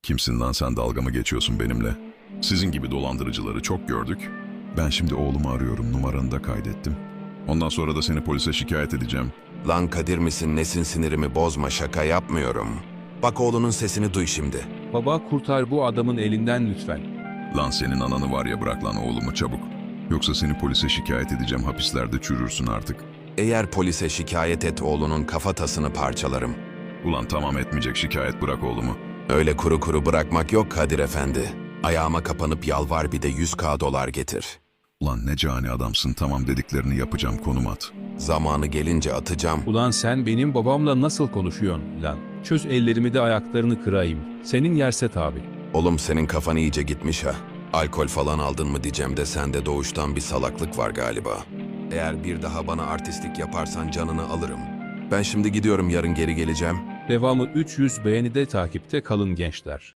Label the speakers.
Speaker 1: Kimsin lan sen, dalga mı geçiyorsun benimle? Sizin gibi dolandırıcıları çok gördük. Ben şimdi oğlumu arıyorum, numaranı da kaydettim. Ondan sonra da seni polise şikayet edeceğim.
Speaker 2: Lan Kadir misin nesin, sinirimi bozma, şaka yapmıyorum. Bak oğlunun sesini duy şimdi.
Speaker 3: Baba kurtar bu adamın elinden lütfen.
Speaker 1: Lan senin ananı var ya, bırak lan oğlumu çabuk. Yoksa seni polise şikayet edeceğim, hapislerde çürürsün artık.
Speaker 2: Eğer polise şikayet et oğlunun kafatasını parçalarım.
Speaker 1: Ulan tamam, etmeyecek şikayet, bırak oğlumu.
Speaker 2: Öyle kuru kuru bırakmak yok Kadir efendi. Ayağıma kapanıp yalvar, bir de 100.000 dolar getir.
Speaker 1: Ulan ne cani adamsın, tamam dediklerini yapacağım, konum at.
Speaker 2: Zamanı gelince atacağım.
Speaker 3: Ulan sen benim babamla nasıl konuşuyorsun lan? Çöz ellerimi de ayaklarını kırayım. Senin Yerset abi.
Speaker 2: Oğlum senin kafan iyice gitmiş ha. Alkol falan aldın mı diyeceğim de sende doğuştan bir salaklık var galiba. Eğer bir daha bana artistlik yaparsan canını alırım. Ben şimdi gidiyorum, yarın geri geleceğim.
Speaker 3: Devamı 300 beğenide takipte kalın gençler.